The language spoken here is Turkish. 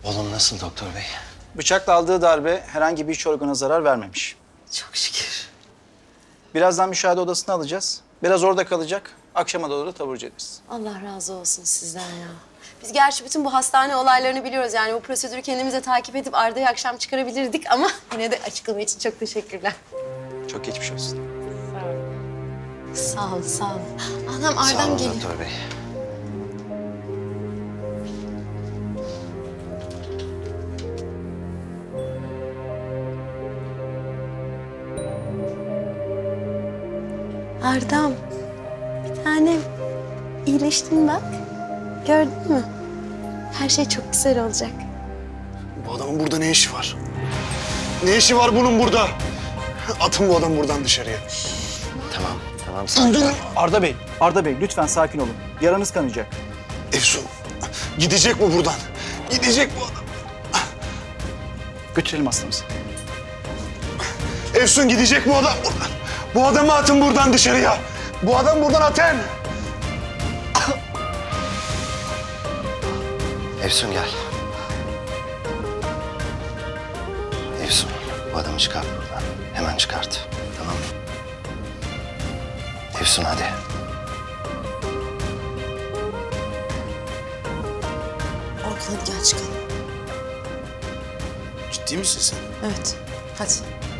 Oğlum nasıl doktor bey? Bıçakla aldığı darbe herhangi bir iç organa zarar vermemiş. Çok şükür. Birazdan müşahede odasına alacağız. Biraz orada kalacak. Akşama doğru da taburcu ederiz. Allah razı olsun sizden ya. Biz gerçi bütün bu hastane olaylarını biliyoruz. Yani bu prosedürü kendimize takip edip Arda'yı akşam çıkarabilirdik ama yine de açıklama için çok teşekkürler. Çok geçmiş olsun. Sağ ol, sağ ol. Anam Sağ Arda'm olun geliyor. doktor bey. Arda'm, bir tanem. İyileştin bak. Gördün mü? Her şey çok güzel olacak. Bu adamın burada ne işi var? Ne işi var bunun burada? Atın bu adamı buradan dışarıya. Tamam sakin. Arda Bey lütfen sakin olun. Yaranız kanayacak. Efsun, gidecek bu buradan. Gidecek bu adam. Götürelim hastamızı. Efsun gidecek bu adam buradan. Bu adamı atın buradan dışarıya. Bu adam buradan atın. Efsun gel. Efsun bu adamı çıkart buradan. Hemen çıkart. Tamam mı? Efsun hadi. Orkun hadi gel çıkalım. Ciddi misin sen? Evet, hadi.